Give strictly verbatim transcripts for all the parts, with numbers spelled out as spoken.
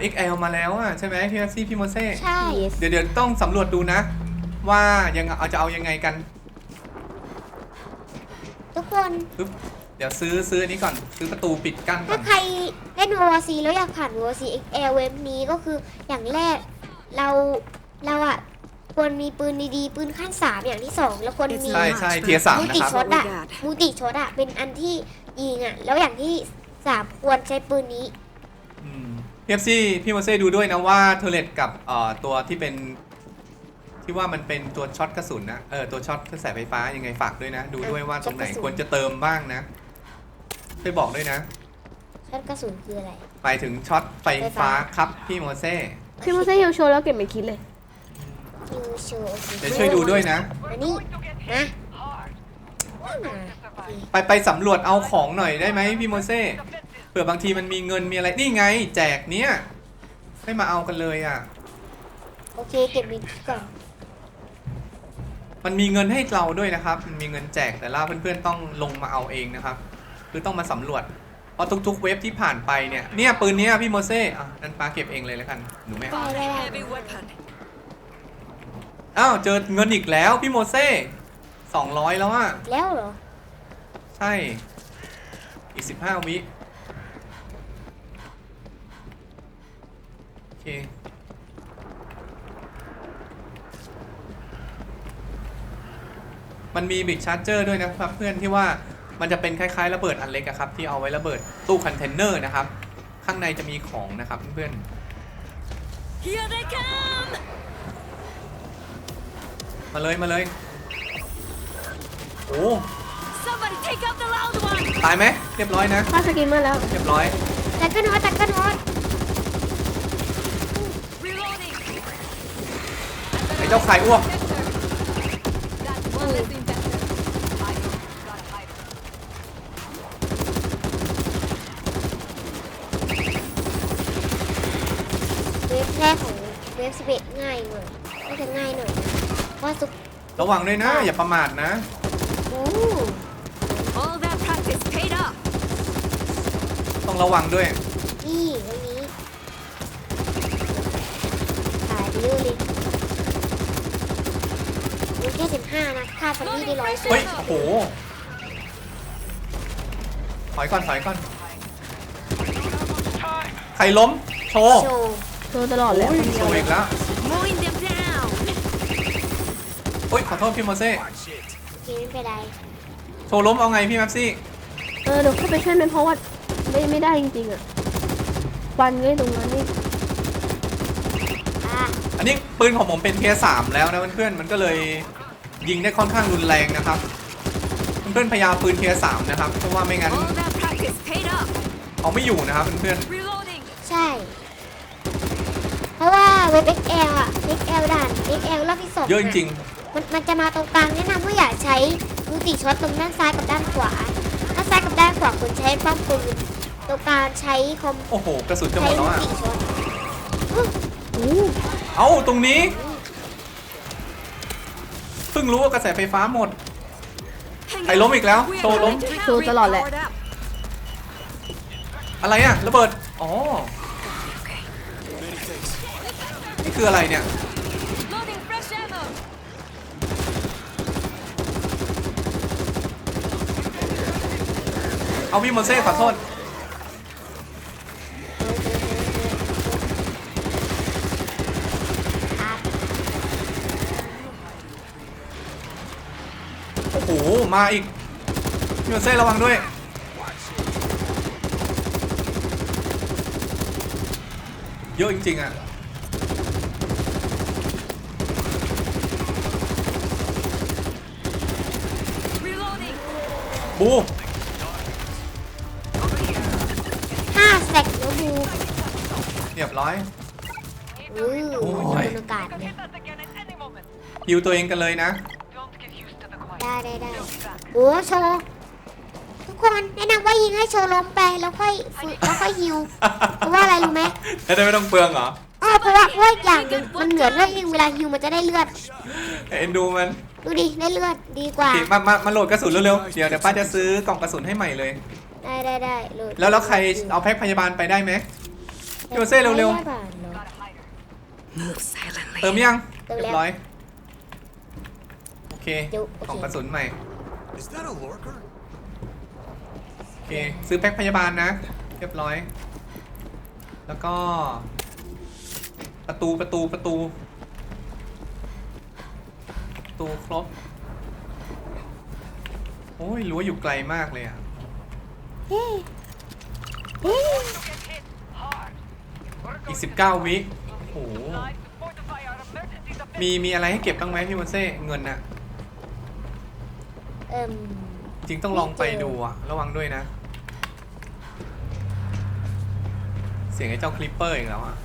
เอ็กซ์ แอล มาแล้วอ่ะใช่ไหมพี่แม็กซี่พี่โมเซ่ใช่เดี๋ยวเดี๋ยวต้องสำรวจดูนะ ว่ายังเอาจะเอายังไงกันทุกคนปึ๊บเดี๋ยวซื้อซื้ออันนี้ก่อนซื้อประตูปิดกั้นก่ถ้าอนใครเล่น วอร์ ซี แล้วอยากผ่าน วอร์ ซี เอ็กซ์ แอล เว็บนี้ก็คืออย่างแรกเราเราอ่ะควรมีปืนดีๆปืนขั้นสามอย่างที่สองแล้วควรมีใช่ใช่เทียร์สามมูนะติครับช็อตอะมูติช็อตอะเป็นอันที่ยิงอะแล้วอย่างที่สามควรใช้ปืนนี้อืมพี่เอฟซี่พี่โมเซ่ดูด้วยนะว่าเทอร์เลตกับเอ่อตัวที่เป็นที่ว่ามันเป็นตัวช็อตกระสุนนะเออตัวช็อตกระแสไฟฟ้ายังไงฝากด้วยนะ ดูด้วยว่าตรงไหนช็อตกระสุนควรจะเติมบ้างนะช่วยบอกด้วยนะช็อตกระสุนคืออะไรไปถึงช็อตไฟไฟฟ้าฟ้าครับพี่โมเซ่พี่โมเซ่ฮิวโชว์แล้วเก็บไม่คิดเลยคิวโชว์เดี๋ยวช่วยดูด้วยนะอันนี้นะอ่าไปไปสำรวจเอาของหน่อยได้ไหมพี่โมเซ่เผื่อบางทีมันมีเงินมีอะไรนี่ไง แจกเนี้ยให้มาเอากันเลยอ่ะโอเคเก็บวินก่อนมันมีเงินให้เราด้วยนะครับมันมีเงินแจกแต่ละเพื่อนๆต้องลงมาเอาเองนะครับคือต้องมาสำรวจเพราะทุกๆเว็บที่ผ่านไปเนี่ยเนี่ยปืนเนี้ยพี่โมเซ่อ่ะนั่นปาเก็บเองเลยแล้วกันหนูไม่ได้เอาได้ได้ Heavy weapon. อ้าวเจอเงินอีกแล้วพี่โมเซ่สองร้อยแล้วอ่ะแล้วเหรอใช่อีกสิบห้าวิโอเคมันมีบิ๊กชาร์เจอร์ด้วยนะครับเพื่อนที่ว่ามันจะเป็นคล้ายๆระเบิดอันเล็กอะครับที่เอาไว้ระเบิดตู้คอนเทนเนอร์นะครับข้างในจะมีของนะครับเพื่อน Here they come. ๆมาเลยมาเลยโอ้ Somebody take out the loud one. ตายไหมเรียบร้อยนะค่าสกินมาแล้วเรียบร้อยตัดกันฮอตตัดกันฮอต Reloading. ไอ้เจ้าไข่อ้วก That one less infected. I gotta hide. เวฟแรกของเวฟสิบเอ็ดง่ายหน่อยน่าจะง่ายหน่อยนะเพราะว่าสุกระวังด้วยนะอย่าประมาทนะอู้ All that practice paid off. ต้องระวังด้วยนี่วันนี้ขายไปเรื่อยเลยมีแค่สิบห้านะค่าซัมมี่ได้ร้อยสุดเฮ้ยโอ้โหถอยก่อนถอยก่อนใครล้มโชว์โชว์โชว์ตลอดเลยโอ้ยคนเดีโชยวว์เลยอีกแล้ว Mowing them down. โอ้ยขอโทษพี่โมเซ่โอเคไม่เป็นไรโชว์ล้มเอาไงพี่แม็ปซี่เออเดี๋ยวเข้าไปช่วยมันเพราะว่าไม่ไม่ได้จริงๆอ่ะฟันไว้ตรงนั้นนี่อ่ะอันนี้ปืนของผมเป็นเทียร์สามแล้วนะเพื่อนๆมันก็เลยยิงได้ค่อนข้างรุนแรงนะครับเพื่อนๆพยายามปืนเทียร์สามนะครับเพราะว่าไม่งั้น All that practice paid off. เอาไม่อยู่นะครับเพื่อน Reloading. ใช่ เพราะว่าเว็บ เอ็กซ์ แอล อ่ะ เอ็กซ์ แอล ด่าน เอ็กซ์ แอล รอบที่สองๆเยอะจริงมันมันจะมาตรงกลางแนะนำว่าอย่าใช้มูติช็อตตรงด้านซ้ายกับด้านขวาด้านซ้ายกับด้านขวาคุณใช้ป้อมปืนตรงกลางใช้คอมๆโอ้โหกระสุนจะหมใช้ดแล้วมูอ่ะติช็อตอื้ออู้เอ้าตรงนี้เพิ่งรู้ว่ากระแสไฟฟ้าหมด Hang ใครล้มอีกแล้ว We โชว์ are ล้ม going to โชว์ตลอดแหละ powered up. อะไรอะระเบิดอ๋อนี่คืออะไรเนี่ย Loading fresh ammo. เอาพี่โมเซ่ขอโทษโอ้โหมาอีกพี่โมเซ่ระวังด้วยเยอะจริงๆอ่ะ Reloading. บูห้าแซกแล้วบูเรียบร้อยอื้อโอ้ยบรรยากาศเนี่ยฮิวตัวเองกันเลยนะได้ได้ได้โอ้โชว์ทุกคนแนะนำว่ายิงให้โชว์ล้มไปแล้วค่อยฝึกแล้วค่อยฮิวเพราะว่าอะไรรู้ไหมจะได้ไม่ต้องเปลืองเหรออ๋อเพราะว่าเพราะว่าอย่างหนึ่งมันเหมือนเลือดยิงเวลาฮิวมันจะได้เลือดเอ็นดูมันดูดิได้เลือดดีกว่าโอเคมามามาโหลดกระสุนเร็วๆ เดี๋ยวเดี๋ยวป้าจะซื้อกล่องกระสุนให้ใหม่เลยได้ได้ได้เลยแล้วแล้วใครเอาแพ็คพยาบาลไปได้ไหมไพี่โมเซ่เร็วแค่บาทเหรอ Move silently. ๆเติมยังเติมเรีแล้ยว บร้อยโอเคเดี๋ยวโอเคกล่องกระสุนใหม่ Is that a lurker? โอเคซื้อแพ็คพยาบาลนะ เรียบร้อย แล้วก็ ประตูประตูประตูประตูครบ โอ้ยรั้วอยู่ไกลมากเลยอ่ะเฮ้เฮ้อีกสิบเก้าวิโอ้โหมีมีอะไรให้เก็บบ้างไหมพี่โมเซ่เงินน่ะเอิ่มจริงต้องลองไปดูอะระวังด้วยนะ เสียงไอ้เจ้าคลิปเปอร์อีกแล้วอะ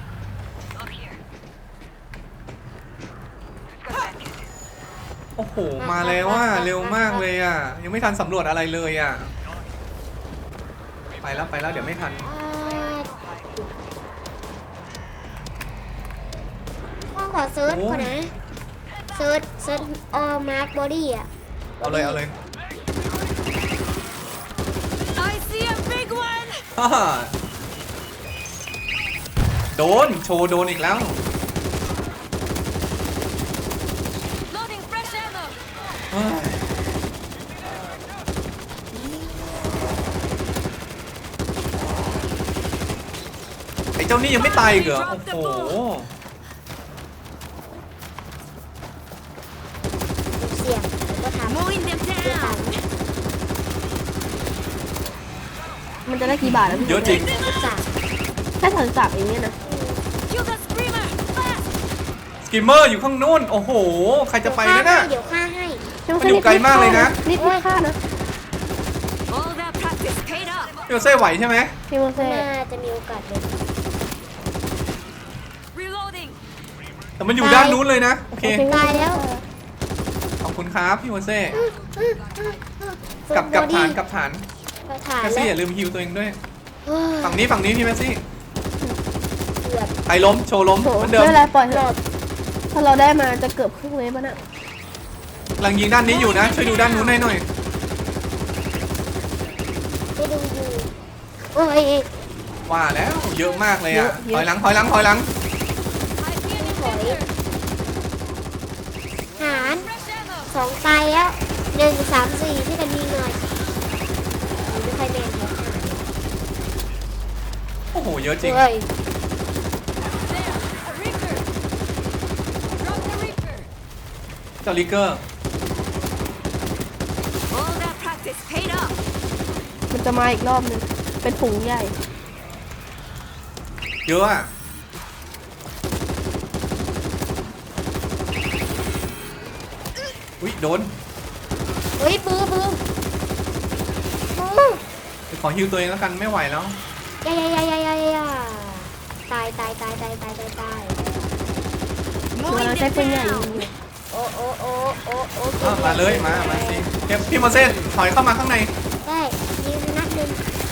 โอ้โห มาแล้วว่าเร็วมากเลยอะยังไม่ทันสำรวจอะไรเลยอะไปแล้วไปแล้วเดี๋ยวไม่ทันพ่อขอเซิร์ชก่อนนะ เซิร์ชเซิร์ชออมาร์คบอดี้อ่ะเอาเลยเอาเลย I see a big one. ฮ่าฮ่าโดนโชว์โดนอีกแล้ว Loading fresh ammo. เฮ้ยไอ้เจ้านี่ยังไม่ตายอีกเหรอโอ้โหเสี่ยงแล้วก็ทำ Mowing them เพื่อ down. มันจะได้กี่บาทแล้วพี่เยอะจริงทำสามแค่สันสับเองเนี่ยนะ Kill the screamer. Fast. สกิมเมอร์อยู่ข้างนู้น โอ้โห ใครจะไปนะน่ะเดี๋ยวฆ่าให้มันอยู่ไกลมากเลยนะนิดนิดค่านะ All that practice paid off. พี่โมเซ่ไหวใช่ไหมพี่โมเซ่น่าจะมีโอกาสเลย Reloading. แต่มันอยู่ด้านนู้นเลยนะ โอเคตายแล้วขอบคุณครับพี่โมเซ่กลับกลับฐานกลับฐานเราถ่ายแมสแล้ซี่วอย่าลืมฮิวตัวเองด้วยเฮ้ยฝั่งนี้ฝั่งนี้พี่แมสซี่เกือบใครล้ม โชว์ล้มโถเหมือนไม่เดิมเป็นไรปล่อยให้เราถ้าเราได้มาจะเกือบครึ่งเวฟแล้วน่ะกำลังยิงด้านนี้อยู่นะ ช่วยดูด้านนู้นให้หน่อยไปดูอยู่โอ้ยว่าแล้ว เยอะมากเลยอ่ะ ถอยหลัง ถอยหลัง ถอยหลัง I see an ถอย infector. หาร Fresh ammo. สองตายแล้วหนึ่งสามสี่ที่กันยิงหน่อยไม่ค่อยแม่นเลยโอ้โห เยอะจริงเฮ้ย There. A reaper. Drop the reaper. เจ้าลิกเกอร์ All that practice paid off. มันจะมาอีกรอบหนึงเป็นฝูงใหญ่เยอะอ่ะ อุ้ยโดนเฮ้ยปื้อปื้อปื้อเดี๋ยวขอฮิวตัวเองแล้วกันไม่ไหวแล้วยายายายายายาตายตายตายตายตายตายตายเว Mowing ลาใช้ them ปืนใหญ่ down. ยิงโอ้โอ้โอ้โอ้โอ้อ่ะมาเลยมา มาสิเก็บพี่โมเซ่ถอยเข้ามาข้างในได้ยิงนัดหนึ่ง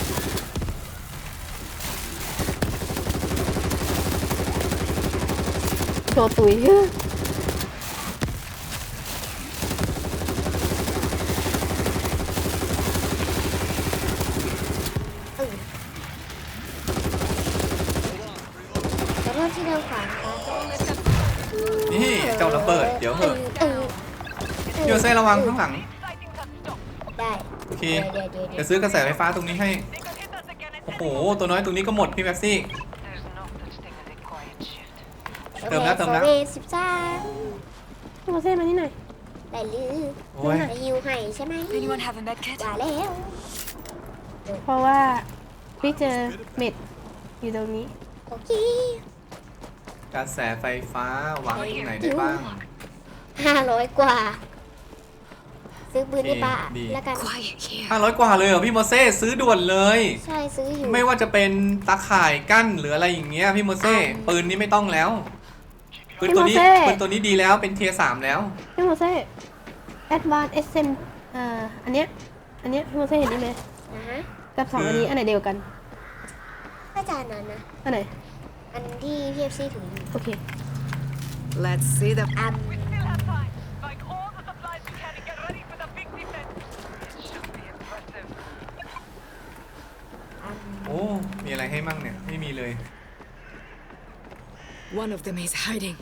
โชว์ตุยเออขอโทษที่เดินขวางครับนี่เจ้าระเบิด เดี๋ยวเหอะเออพี่โมเซ่ระวังข้างหลังได้โอเคเดี๋ยวเดี๋ยวเดี๋เดี๋ยยว วซื้อกระแสไฟฟ้าตรงนี้ให้ โอ้โห ตัวน้อยตรงนี้ก็หมดพี่แม็กซี่ เติมแล้วเติมแล้วโอเคสิบสามพี่โมเซ่มานี่หน่อยได้ลือโอ้ยไปฮิวให้ใช่ไหม Anyone have a med kit? ว่าแล้วเพราะว่าพี่เจอเม็ดอยู่ตรงนี้โอเคกระแสไฟฟ้าวางไว้ตรงไหนได้บ้างห้าร้อยกว่า ซื้อปืนโอเคให้ป้าดีแล้วกัน Quiet here. ห้าร้อยกว่าเลยเหรอพี่โมเซ่ซื้อด่วนเลยใช่ซื้ออยู่ไม่ว่าจะเป็นตาข่ายกั้นหรืออะไรอย่างเงี้ยพี่โมเซ่อ่าปืนนี้ไม่ต้องแล้ว ปืนตัวนี้พี่โมเซ่ปืนตัวนี้ดีแล้วเป็นเทียร์สามแล้วพี่โมเซ่ Advanced เอส เอ็ม เอ่ออันเนี้ยอันเนี้ยพี่โมเซ่เห็นนี่ไหมนะฮะกับสองคืออัอันนี้อันไหนเดียวกันอาจารย์นั้นนะอันไหนอันที่พีเอฟซีถืออยู่โอเค Let's see the อัน อันโอ้ มีอะไรให้มั่งเนี่ย ไม่มีเลย One of them is hiding.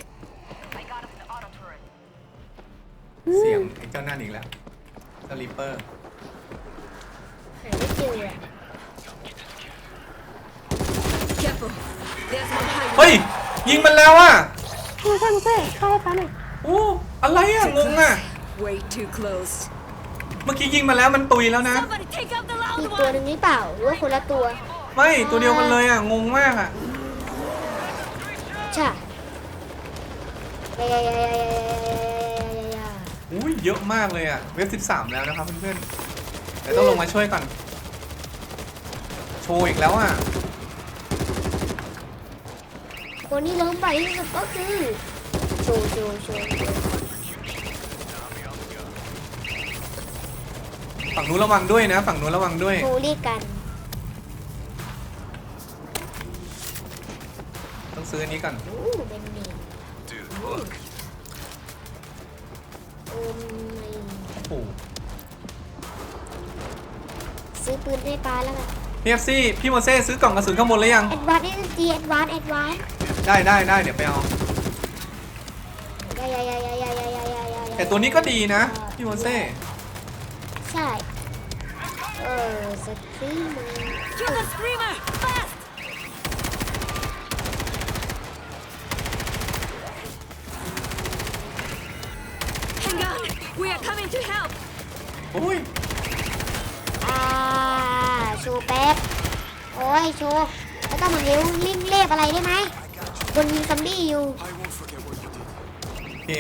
เสียงไอ้เจ้านั่นอีกแล้วสลิปเปอร์หาไม่เจออะ Careful. There's one hiding. เฮ้ยยิงมันแล้วอ่ะโมเซ่โมเซ่เข้าให้ฟ้าหน่อยโอ้อะไรอ่ะงงอ่ะ Way too close. เมื่อกี้ยิงมาแล้วมันตุยแล้วนะ Somebody take out the อี loud กตัว one. หนึ่งหรือเปล่าหรือว่าคนละตัวไม่ตัวเดียวกันเลยอ่ะงงมากอ่ะใช่ยายายายายายายาอุ้ยเยอะมากเลยอ่ะเว็บสิบสามแล้วนะครับเพื่อนๆเดี๋ยวต้องลงมาช่วยก่อนโชว์อีกแล้วอ่ะคนที่ล้มไปที่สุดก็คือโชว์โชว์โชว์ฝั่งนู้นระวังด้วยนะฝั่งนู้นระวังด้วยโชว์เรียกกันต้องซื้ออันนี้ก่อนโอ้เป็นเมนโอ้ไม่โอ้โหซื้อปืนให้ป้าแล้วกันพี่เอฟซีพี่โมเซ่ซื้อกล่องกระสุนข้างบนแล้วยังแอดวานซ์เอสจีแอดวานซ์แอดวานซ์ได้ได้ได้เดี๋ยวไปเอายายายายายายายายายาแต่ตัวนี้ก็ดีนะพี่โมเซ่ใช่เออสตรีมเมอร์ Kill the screamer. Fast. Hang on. We are coming to help. โอ้ยอ่าโชว์แป๊บโอ้ยโชว์แล้วก็มาเร็วลิ่งเล็บอะไรได้ไหมคนยิงซัมบี้อยู่โอเค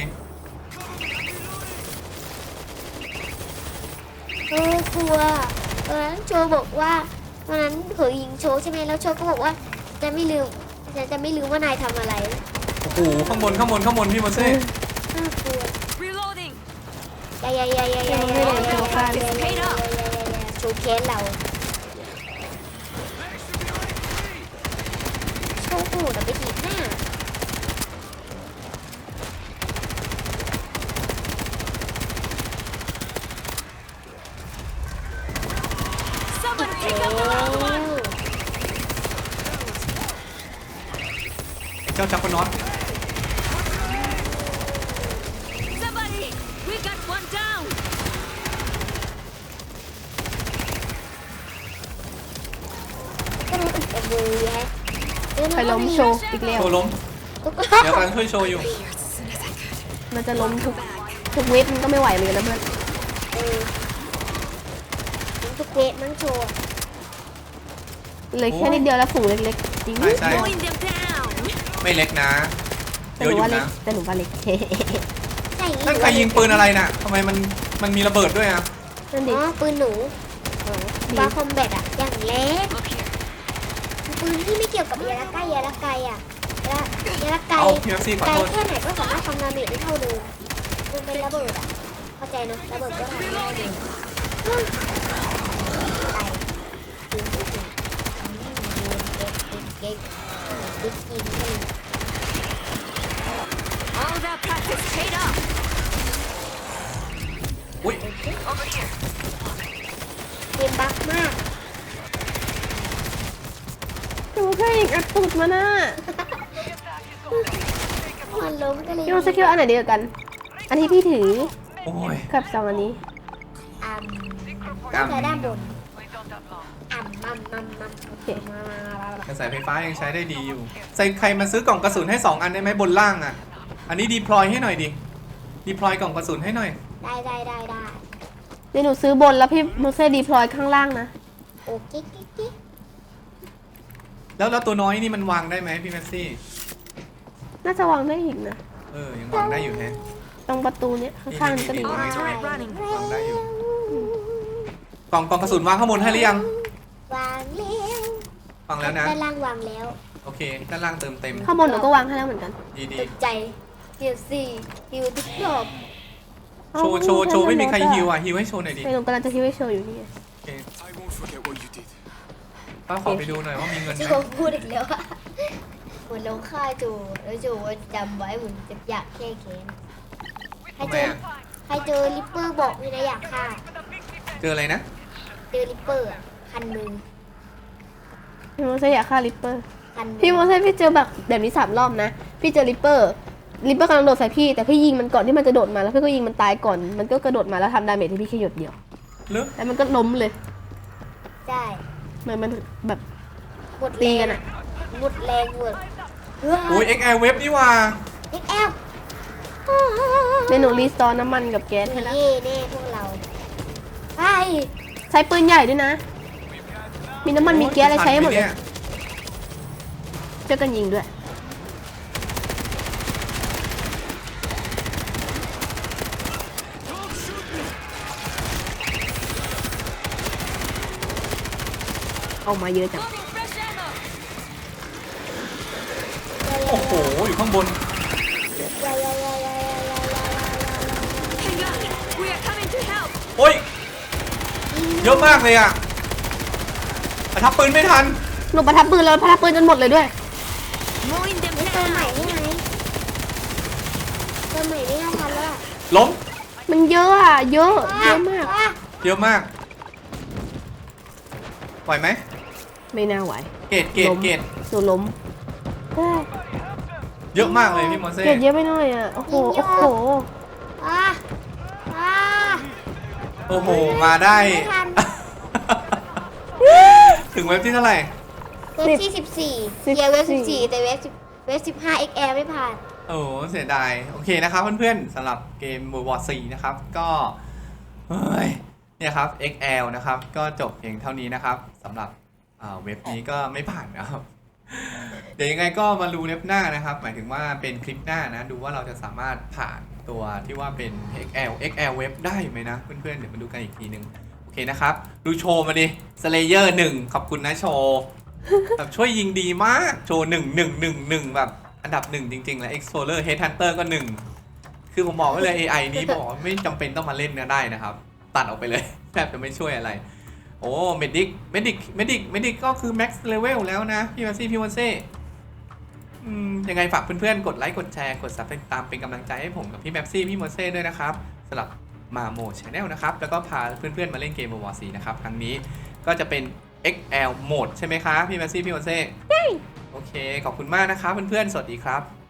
เออกลัวตอนนั้นโชว์บอกว่าวันนั้นเผยยิงโชว์ใช่ไหมแล้วโชว์ก็บอกว่าจะไม่ลืมจะจะไม่ลืมว่านายทำอะไรโอ้โหข้างบนข้างบนข้างบนพี่โมเซ่น่ากลัว Reloading. ยายายายายายายายายายาโชว์แค้นเราโชว์หูแต่ไปถีบหน้า Somebody take out the loud one. ไอ้เจ้าจักรนอต Somebody. We got one down. ก็รู้สึกกับมือไงไปล้มโชว์อีกแล้วโชว์ล้ม เดี๋ยวกำลังช่วยโชว์อยู่ Here as soon as I could. มันจะล้มทุกทุกเว็บมันก็ไม่ไหวเหมือนกันนะเพื่อนเออทุกเวทมั่งโชว์เหลยแค่นิดเดียวแล้วฝูงเล็กๆจริงใช่ใช่ Mowing them down. ไม่เล็กนะแต่เยหอะนูอยู่ว่าเล็กนะแต่หนูว่าเล็กใช่นั่นใครยิงปืนอะไรน่ะทำไมมันมันมีระเบิดด้วยอ่ะนั่นอ๋ดิอปืนหนูดีบาคอมแบทอะอย่างเล็ก Look here. ปืนที่ไม่เกี่ยวกับยาละใกล้ยาละไกลอะยายาละไกลเอาพี่เอฟซีขอไกลโทษแค่ไหนก็สามารถทำดาเมจได้เท่าเดิมมันเป็นระเบิดอะเข้าใจนะระเบิดก็ทำได้เดิมตายปืนที่เก่งเก่งเก่งเก่งเก่ง All that practice paid off. อุ้ย Over here. เกมบักมากหนูแค่ยิงอัดตูดมาน่ะมันล้มก็เลยพี่โมเซ่คิดว่าอันไหนดีกว่ากัน อันที่พี่ถือโอ้ยกับสองอันนี้อ่ำอ่ำน่าจะด้านบนอ่ำมั่มมั่มมั่มโอเคกระแสไฟฟ้ายังใช้ได้ดีอยู่ ใส่ใครมาซื้อกล่องกระสุนให้สองอันได้ไหมบนล่างอ่ะ อันนี้ดีพลอยให้หน่อยดิดีพลอยกล่องกระสุนให้หน่อยได้ได้ได้ได้เดี๋ยวหนูซื้อบนแล้วพี่โมเซ่ดีพลอยข้างล่างนะโอเคกิ๊กกิ๊กแล้วแล้วตัวน้อยนี่มันวางได้ไหมพี่แมสซี่น่าจะวางได้อีกนะเออ ยังวางได้อยู่แฮะตรงประตูเนี้ยข้างๆนี่ก็ดีนี่นะนี่ Turret running. วางได้อยู่ กล่องกล่องกระสุนวางข้างบนให้หรือยังวางแล้ววางแล้วนะด้านล่างวางแล้วโอเค ด้านล่างเติมเต็มข้างบนหนูก็วางให้แล้วเหมือนกันดีดีตกใจเดี๋ยวสี่ฮิวทุกรอบโชว์โชว์โชว์ไม่มีใครฮิวอ่ะฮิวให้โชว์หน่อยดิไม่หนูกำลังจะฮิวให้โชว์อยู่นี่ไงโอเค I won't forget what you did. ป้าขอไปดูหน่อยว่ามีเงินไหมโจพูดอีกแล้วอะเหมือนลงฆ่าโจแล้วโจจำไว้เหมือนจะอยากแก้แค้นใครทำไมเจออ่ะใครเจอริปเปอร์บอกเลยนะอยากฆ่าเจออะไรนะเจอริปเปอร์อะคันมือพี่โมเซ่อยากฆ่าลิปเปอร์คันมือพี่โมเซ่พี่เจอแบบแบบนี้สามรอบนะพี่เจอริปเปอร์ริปเปอร์กำลังโดดใส่พี่แต่พี่ยิงมันก่อนที่มันจะโดดมาแล้วพี่ก็ยิงมันตายก่อนมันก็กระโดดมาแล้วทำดาเมจให้พี่แค่หยดเดียวหรือแล้วมันก็ล้มเลยใช่เหมือนมันแบบหมดตีแรงกันอะหมดแรงหมดอุ้ย เอ็กซ์ แอล เว็บนี่ว่าเอ็กแอลเมนูรีสตอร์น้ำมันกับแก๊สให้แล้วเย่แน่พวกเราไปใช้ปืนใหญ่ด้วยนะ มีน้ำมันมีแก๊สอะไรใช้ให้หมดเลยเจ้ากันยิงด้วยเอามาเยอะจัง Loading fresh ammo. โอ้โห อยู่ข้างบนยายายายายายายายายาย Hang on. We are coming to help. โอ้ย เยอะมากเลยอ่ะประทับปืนไม่ทันหนูประทับปืนแล้วประทับปืนจนหมดเลยด้วย Mowing them เติมใหม่ down. ได้ไหมเติมใหม่ไม่น่าทันแล้วอะล้มมันเยอะอ่ะ เยอะ เยอะมากอ่ะเยอะมากไหวไหมไม่น่าไหวเกตเกตล้มเกตหนูล้มเอ้ยเยอะมากเลยพี่โมเซ่เกลียดเยอะไปหน่อยอ่ะ โอ้โห โอ้โหอ่ะอ่ะโอ้โห มาได้ไม่ทันถึงเว็บที่เท่าไหร่เว็บที่สิบสี่เกียร์เว็บสิบสี่แต่เว็บสิบเว็บสิบห้า เอ็กซ์ แอล ไม่ผ่านโอ้โหเสียดาย โอเคนะครับเพื่อนๆสำหรับเกม World War โฟร์นะครับ ก็เฮ้ยเนี่ยครับ เอ็กซ์ แอล นะครับ ก็จบเพียงเท่านี้นะครับสำหรับอ่าเว็บนี้ก็ไม่ผ่านนะครับ เดี๋ยวยังไงก็มาดูเว็บหน้านะครับ หมายถึงว่าเป็นคลิปหน้านะ ดูว่าเราจะสามารถผ่านตัวที่ว่าเป็น เอ็กซ์ แอล เอ็กซ์ แอล เว็บได้ไหมนะ เพื่อนๆเดี๋ยวมาดูกันอีกทีนึง โอเคนะครับ ดูโชว์มาดิ Slayer หนึ่งขอบคุณนะโชว์แบบช่วยยิงดีมาก โชว์หนึ่งหนึ่งหนึ่งหนึ่งแบบอันดับหนึ่งจริงๆ แล้ว Explorer Headhunter ก็หนึ่งคือผมบอกไว้เลย เอ ไอ นี้บอกว่าไม่จำเป็นต้องมาเล่นก็ได้นะครับ ตัดออกไปเลย แทบจะไม่ช่วยอะไร โอ้ Medic Medic Medic Medic ก็คือ Max Level แล้วนะ พี่มาซี่พี่วันเซ่อืมยังไงฝากเพื่อนๆ กดไลค์ กดแชร์ กด ซับสไครบ์ ตามเป็นกำลังใจให้ผมกับพี่แม็ปซี่พี่มอนเซ่ด้วยนะครับสำหรับมาโมชแนลนะครับ แล้วก็พาเพื่อนๆ มาเล่นเกม World War โฟร์นะครับ ครั้งนี้ก็จะเป็น เอ็กซ์ แอล โหมดใช่ไหมคะพี่แม็ปซี่พี่มอนเซ่ใช่โอเค ขอบคุณมากนะครับเพื่อนๆ สวัสดีครับ